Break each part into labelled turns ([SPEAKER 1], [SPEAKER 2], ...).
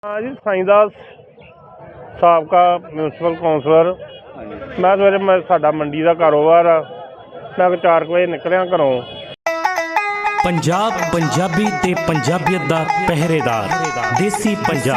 [SPEAKER 1] हाँ जी साईं दास साबका municipal councillor. मैं सवेरे साडा मंडी का कारोबार आ। मैं 4 वजे निकलिया घरों।
[SPEAKER 2] पंजाब पंजाबी ते पंजाबियत दा पहरेदार देसी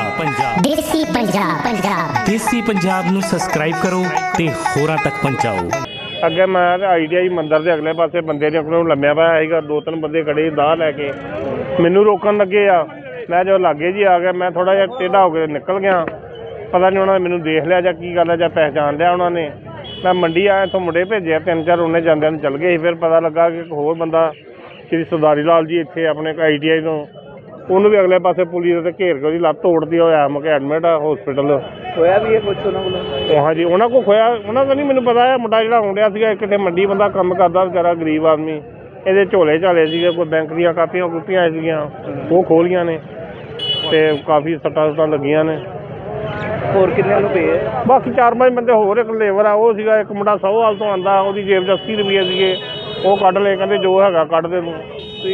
[SPEAKER 2] पंजाब नू सब्सक्राइब करो ते होरां तक पहुंचाओ।
[SPEAKER 1] अगे मैं ITI मंदिर के अगले पासे बंदे ने अपने लम्या पाया सीगा, 2-3 बंदे खड़े दाह लैके मैनू रोकन लगे आ। मैं जो लागे जी आ गया, मैं थोड़ा जिहा टेढ़ा हो के निकल गया। पता नहीं उन्होंने मैनू देख लिया जां की गल है, जां पहचान लिया उन्होंने। मैं मंडी आया, इत्थों मुंडे भेजे 3-4, उन्हें जांदे नूं चल गए। फिर पता लगा कि एक होर बंदा श्री सरदारी लाल जी इत्थे अपने ITI तो उन्होंने भी अगले पासे पुलिस ने घेर के लत्त तोड़ती होया मुके एडमिट आ हॉस्पिटल
[SPEAKER 3] खोया भी है कुछ उन्होंने।
[SPEAKER 1] हाँ जी उन्होंने को खोया, उन्होंने तो नहीं मैनू पता है। मुंडा जिहड़ा आउंडिया सीगा किते मंडी बंदा काम करदा बेचारा गरीब आदमी, ये झोले झाले सीगे, कोई बैंक दी कापियां कूपियां सीगियां वो खोलियां ने ते काफ़ी सट्टां सुट्टां लगियां ने।
[SPEAKER 3] होर किन्ने नूं पे है?
[SPEAKER 1] बाकी 4-5 बंदे होर, एक लेबर आ वो सीगा, एक मुंडा सोहवाल तो आंदा, ਉਹਦੀ जेब 'ਚ 80 रुपये सीगे, वो कढ़ ले, कहते जो हैगा कढ़ दे तूं।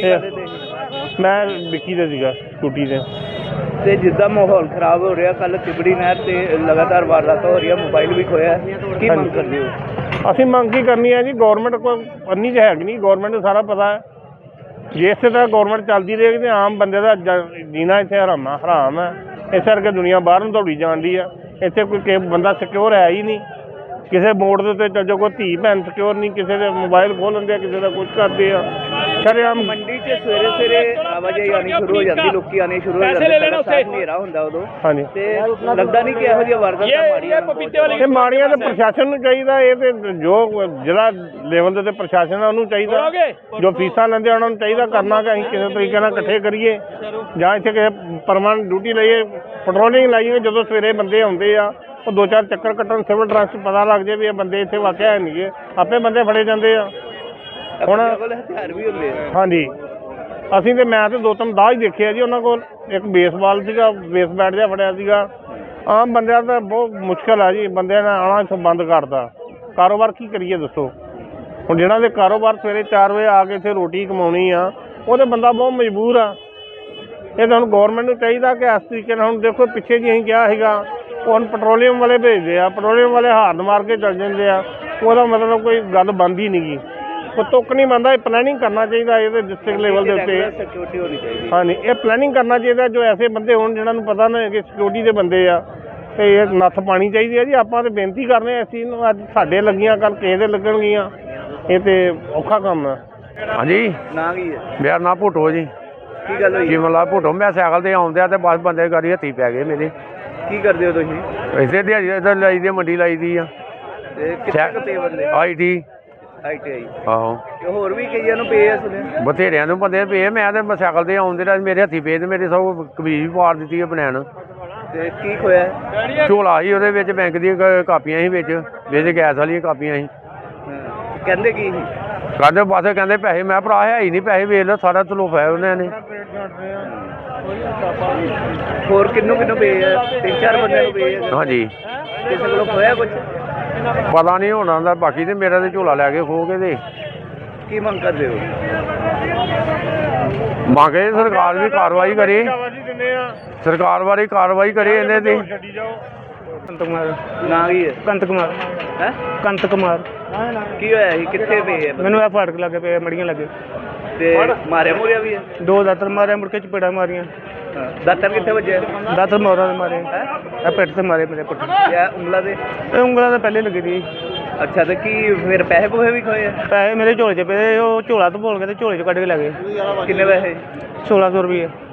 [SPEAKER 1] मैं विक्की दे सीगा स्कूटी ते।
[SPEAKER 3] ਤੇ ਜਿੱਦਾਂ ਮਾਹੌਲ ਖਰਾਬ ਹੋ ਰਿਹਾ, ਕੱਲ ਤਿਬੜੀ ਨਹਿਰ ਤੇ ਲਗਾਤਾਰ ਵਾਰਦਾਤਾਂ ਹੋ ਰਹੀਆਂ, ਮੋਬਾਈਲ ਵੀ ਖੋਇਆ, ਕੀ ਮੰਗ ਕਰਦੇ ਹੋ?
[SPEAKER 1] ਅਸੀਂ ਮੰਗ ਕੀ ਕਰਨੀ ਹੈ ਜੀ, ਗੌਰਮੈਂਟ ਕੋਈ ਅੰਨੀ 'ਚ ਹੈਗੀ ਨਹੀਂ, ਗੌਰਮੈਂਟ ਨੂੰ ਸਾਰਾ ਪਤਾ ਹੈ। ਜੇ ਇਸੇ ਤਰ੍ਹਾਂ ਗੌਰਮੈਂਟ ਚੱਲਦੀ ਰਹੇਗੀ ਤਾਂ ਆਮ ਬੰਦੇ ਦਾ ਜੀਣਾ ਇੱਥੇ ਹਰਾਮ ਹੈ। ਇਸ ਕਰਕੇ ਦੁਨੀਆ ਬਾਹਰ ਨੂੰ ਦੌੜੀ ਜਾਂਦੀ ਆ। ਇੱਥੇ ਕੋਈ ਬੰਦਾ ਸਿਕਿਉਰ ਹੈ ਹੀ ਨਹੀਂ। ਕਿਸੇ ਮੋੜ ਦੇ ਉੱਤੇ ਚੱਲ ਜਾਓ, ਕੋਈ ਧੀ ਭੈਣ ਸਿਕਿਉਰ ਨਹੀਂ, ਕਿਸੇ ਦੇ ਮੋਬਾਈਲ ਖੋਹ ਲੈਂਦੇ ਆ, ਕਿਸੇ ਦਾ ਕੁਛ ਕਰਦੇ ਆ। ਸ਼ਰੇਆਮ
[SPEAKER 3] ਮੰਡੀ 'ਚ ਸਵੇਰੇ ਆਵਾਜਾਈ ਆਉਣੀ ਸ਼ੁਰੂ ਹੋ ਜਾਂਦੀ, ਲੋਕੀ ਆਉਣੇ ਸ਼ੁਰੂ ਹੋ ਜਾਂਦੇ, ਹਨੇਰਾ ਹੁੰਦਾ ਉਦੋਂ।
[SPEAKER 1] ਹਾਂਜੀ
[SPEAKER 3] ਤੇ ਲੱਗਦਾ ਨਹੀਂ ਕਿ ਇਹੋ ਜਿਹੀਆਂ ਵਾਰਦਾਤਾਂ ਮਾੜੀਆਂ
[SPEAKER 1] ਇਹ ਮਾੜੀਆਂ ਤਾਂ ਪ੍ਰਸ਼ਾਸਨ ਨੂੰ ਚਾਹੀਦਾ। ਇਹ ਤੇ ਜੋ ਜਿਹੜਾ ਲੈਵਲ ਦੇ ਪ੍ਰਸ਼ਾਸਨ ਆ ਉਹਨੂੰ ਚਾਹੀਦਾ, ਜੋ ਫੀਸਾਂ ਲੈਂਦੇ ਉਹਨਾਂ ਨੂੰ ਚਾਹੀਦਾ ਕਰਨਾ ਕਿ ਅਸੀਂ ਕਿਸੇ ਤਰੀਕੇ ਨਾਲ ਇਕੱਠੇ ਕਰੀਏ ਜਾਂ ਇੱਥੇ ਕਿਸੇ ਪਰਮਾਨੈਂਟ ਡਿਊਟੀ ਲਈਏ, ਪੈਟਰੋਲਿੰਗ ਲਾਈਏ। ਜਦੋਂ ਸਵੇਰੇ ਬੰਦੇ ਆਉਂਦੇ ਆ ਉਹ 2-4 ਚੱਕਰ ਕੱਟਣ, ਸਿਵਲ ਡਰੈਸ ਪਤਾ ਲੱਗ ਜਾਏ ਵੀ ਇਹ ਬੰਦੇ ਇੱਥੇ ਵਾਕਿਆ ਹੈ ਨਹੀਂ, ਆਪੇ ਬੰਦੇ ਫੜੇ ਜਾਂਦੇ ਆ। ਹੁਣ
[SPEAKER 3] ਹਥਿਆਰ ਵੀ ਹੁੰਦੇ ਆ।
[SPEAKER 1] ਹਾਂਜੀ ਅਸੀਂ ਤੇ ਮੈਂ ਤੇ 2-3 ਦਾਹ ਹੀ ਦੇਖਿਆ ਜੀ ਉਹਨਾਂ ਕੋਲ। ਇੱਕ ਬੇਸਬਾਲ ਸੀਗਾ, ਬੇਸ ਬੈਟ ਜਿਹਾ ਫੜਿਆ ਸੀਗਾ। ਆਮ ਬੰਦਿਆਂ ਦਾ ਬਹੁਤ ਮੁਸ਼ਕਿਲ ਆ ਜੀ, ਬੰਦਿਆਂ ਨੇ ਆਉਣਾ ਇੱਥੋਂ ਬੰਦ ਕਰਤਾ। ਕਾਰੋਬਾਰ ਕੀ ਕਰੀਏ ਦੱਸੋ? ਹੁਣ ਜਿਹਨਾਂ ਦੇ ਕਾਰੋਬਾਰ ਸਵੇਰੇ 4 ਵਜੇ ਆ ਕੇ ਇੱਥੇ ਰੋਟੀ ਕਮਾਉਣੀ ਆ, ਉਹ ਤਾਂ ਬੰਦਾ ਬਹੁਤ ਮਜਬੂਰ ਆ। ਇਹ ਤਾਂ ਹੁਣ ਗੌਰਮੈਂਟ ਨੂੰ ਚਾਹੀਦਾ ਕਿ ਇਸ ਤਰੀਕੇ ਨਾਲ, ਹੁਣ ਦੇਖੋ ਪਿੱਛੇ ਜੀ ਅਸੀਂ ਕਿਹਾ ਸੀਗਾ, ਉਹ ਹੁਣ ਪੈਟਰੋਲੀਅਮ ਵਾਲੇ ਭੇਜਦੇ ਆ, ਪੈਟਰੋਲੀਅਮ ਵਾਲੇ ਹਾਰਨ ਮਾਰ ਕੇ ਚੱਲ ਜਾਂਦੇ ਆ। ਉਹਦਾ ਮਤਲਬ ਕੋਈ ਗੱਲ ਬਣਦੀ ਨਹੀਂ ਗੀ, ਉਹ ਤੁੱਕ ਨਹੀਂ ਬਣਦਾ। ਇਹ ਪਲੈਨਿੰਗ ਕਰਨਾ ਚਾਹੀਦਾ ਇਹਦੇ ਡਿਸਟ੍ਰਿਕਟ ਲੈਵਲ ਦੇ ਉੱਤੇ।
[SPEAKER 3] ਸਿਕਿਉਰਿਟੀ ਹੋਣੀ ਚਾਹੀਦੀ।
[SPEAKER 1] ਹਾਂਜੀ ਇਹ ਪਲੈਨਿੰਗ ਕਰਨਾ ਚਾਹੀਦਾ, ਜੋ ਐਸੇ ਬੰਦੇ ਹੋਣ ਜਿਹਨਾਂ ਨੂੰ ਪਤਾ ਨਾ ਕਿ ਸਿਕਿਉਰਿਟੀ ਦੇ ਬੰਦੇ ਆ, ਅਤੇ ਇਹ ਨੱਥ ਪਾਣੀ ਚਾਹੀਦੀ ਹੈ ਜੀ। ਆਪਾਂ ਤਾਂ ਬੇਨਤੀ ਕਰਨੇ ਇਸ ਚੀਜ਼ ਨੂੰ, ਅੱਜ ਸਾਡੇ ਲੱਗੀਆਂ ਕੱਲ੍ਹ ਕਿਸੇ ਦੇ ਲੱਗਣਗੀਆਂ, ਇਹ ਤਾਂ ਔਖਾ ਕੰਮ ਹੈ।
[SPEAKER 4] ਹਾਂਜੀ
[SPEAKER 3] ਨਾਂ ਕੀ ਹੈ?
[SPEAKER 4] ਮੇਰਾ ਨਾਂ ਭੁੱਟੋ ਜੀ।
[SPEAKER 3] ਕੀ ਗੱਲ ਹੋਈ?
[SPEAKER 4] ਜੀਵਨ ਲਾਲ ਭੁੱਟੋ। ਮੈਂ ਸਾਈਕਲ 'ਤੇ ਆਉਂਦਿਆ ਅਤੇ ਬਸ ਬੰਦੇ ਗਾੜੀ ਹੱਥੀਂ ਪੈ ਗਏ ਮੇਰੇ।
[SPEAKER 3] ਕੀ ਕਰਦੇ ਹੋ ਤੁਸੀਂ?
[SPEAKER 4] ਇੱਥੇ ਦਿਹਾੜੀ ਇੱਧਰ ਲਾਈ ਦੀ, ਮੰਡੀ ਲਾਈ ਦੀ ਆ।
[SPEAKER 3] ਤੇ ਕਿੱਥੇ ਕੁ ਪੇ ਬੰਦੇ?
[SPEAKER 4] ITI ਆਹੋ।
[SPEAKER 3] ਤੇ ਹੋਰ ਵੀ ਕਈਆਂ ਨੂੰ ਪੇ ਆ ਸੁਣਿਆ।
[SPEAKER 4] ਬਥੇਰਿਆਂ ਨੂੰ ਬੰਦੇ ਪਏ। ਮੈਂ ਤਾਂ ਸਾਈਕਲ 'ਤੇ ਆਉਂਦੇ ਰਿਹਾ, ਮੇਰੇ ਹੱਥੀਂ ਪਏ, ਤੇ ਮੇਰੇ ਸਭ ਕਮੀਜ਼ ਵੀ ਪਾੜ ਦਿੱਤੀ ਹੈ ਬਨੈਣ।
[SPEAKER 3] ਤੇ ਕੀ ਖੋਇਆ?
[SPEAKER 4] ਝੋਲਾ ਸੀ, ਉਹਦੇ ਵਿੱਚ ਬੈਂਕ ਦੀਆਂ ਕਾਪੀਆਂ ਸੀ, ਵਿੱਚ ਗੈਸ ਵਾਲੀਆਂ ਕਾਪੀਆਂ ਸੀ।
[SPEAKER 3] ਕਹਿੰਦੇ ਕੀ ਸੀ?
[SPEAKER 4] ਕਹਿੰਦੇ ਬਸ ਕਹਿੰਦੇ ਪੈਸੇ। ਮੈਂ ਭਰਾ ਹੈ ਹੀ ਨਹੀਂ, ਪੈਸੇ ਵੇਚ ਲਓ, ਸਾਰਾ ਤਲੋਫਾ ਉਹਨਾਂ ਨੇ।
[SPEAKER 3] ਹੋਰ ਕਿੰਨੂੰ ਪੇ ਆ? 3-4 ਬੰਦਿਆਂ ਨੂੰ ਪੇ ਆ।
[SPEAKER 4] ਹਾਂਜੀ
[SPEAKER 3] ਕਿਸੇ ਕੋਲੋਂ ਖੋਇਆ ਕੁਛ?
[SPEAKER 4] ਪਤਾ ਨਹੀਂ ਹੋਣਾ ਦਾ। ਬਾਕੀ ਤੇ ਮੇਰਾ ਤੇ ਝੋਲਾ ਲੈ ਕੇ ਖੋ ਕੇ ਤੇ
[SPEAKER 3] ਕੀ ਮੰਗ ਕਰਦੇ ਹੋ?
[SPEAKER 4] ਮੰਗੇ ਸਰਕਾਰ ਵੀ ਕਾਰਵਾਈ ਕਰੇ, ਸਰਕਾਰ ਬਾਰੇ ਕਾਰਵਾਈ ਕਰੇ ਇਹਨੇ ਤੇ।
[SPEAKER 3] ਕੰਤ ਕੁਮਾਰ। ਨਾਂ ਕੀ ਹੈ? ਕੰਤ ਕੁਮਾਰ। ਹੈ ਕੰਤ ਕੁਮਾਰ। ਕੀ ਹੋਇਆ ਸੀ? ਕਿੱਥੇ ਪਏ ਆ?
[SPEAKER 5] ਮੈਨੂੰ ਇਹ ਫਾਟਕ ਲੱਗੇ ਪਏ, ਮੜੀਆਂ ਲੱਗੇ
[SPEAKER 3] ਤੇ ਮਾਰਿਆ ਮੁਰਿਆ ਵੀ ਹੈ?
[SPEAKER 5] 2 ਦਾਤਰ ਮਾਰਿਆ, ਮੁੜ ਕੇ ਚਪੇੜਾਂ ਮਾਰੀਆਂ।
[SPEAKER 3] ਦਾਤਰ ਕਿੱਥੇ ਵੱਜਿਆ?
[SPEAKER 5] ਦਾਤਰ ਮੋਰਾਂ ਦੇ ਮਾਰੇ, ਇਹ ਪਿੱਠ ਤੇ ਮਾਰੇ ਮੇਰੇ ਪੁੱਠ।
[SPEAKER 3] ਇਹ ਉਂਗਲਾਂ ਦੇ?
[SPEAKER 5] ਇਹ ਉਂਗਲਾਂ ਤਾਂ ਪਹਿਲੇ ਲੱਗੀ ਸੀ।
[SPEAKER 3] ਅੱਛਾ ਤੇ ਕੀ ਫਿਰ ਪੈਸੇ ਪੂਸੇ ਵੀ ਖੋਏ ਆ?
[SPEAKER 5] ਪੈਸੇ ਮੇਰੇ ਝੋਲੇ 'ਚ ਪਏ, ਉਹ ਝੋਲਾ ਤੋਂ ਭੋਲ ਕੇ ਤੇ ਝੋਲੇ 'ਚ ਕੱਢ ਕੇ ਲੈ ਗਏ।
[SPEAKER 3] ਕਿੰਨੇ ਪੈਸੇ?
[SPEAKER 5] 1600 ਰੁਪਏ।